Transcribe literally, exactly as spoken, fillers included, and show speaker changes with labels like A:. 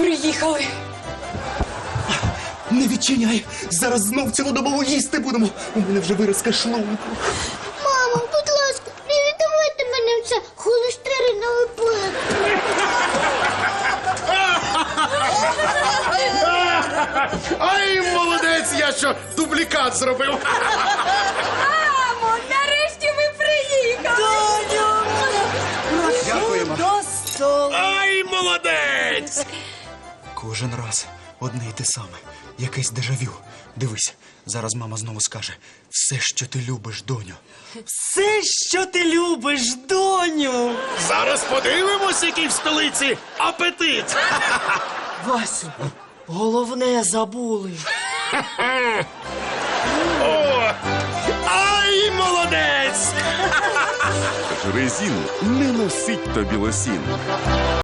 A: Приїхали.
B: Не відчиняй! Зараз знов цілодобово їсти будемо. У мене вже виразка шлунку.
C: Мамо, будь ласка, не віддавайте мене в це холестеринове пекло.
D: Ай, молодець, я що, дублікат зробив.
A: Мамо, нарешті ви приїхали.
B: Дякуємо.
A: До столу.
D: Ай, молодець!
B: Кожен раз одне й те саме. Якесь дежавю. Дивись, зараз мама знову скаже: все, що ти любиш, доню.
E: Все, що ти любиш, доню.
D: Зараз подивимось, який в столиці апетит.
E: Васю, головне забули.
D: О, ай, молодець!
F: Резину не носить тобі лосіну.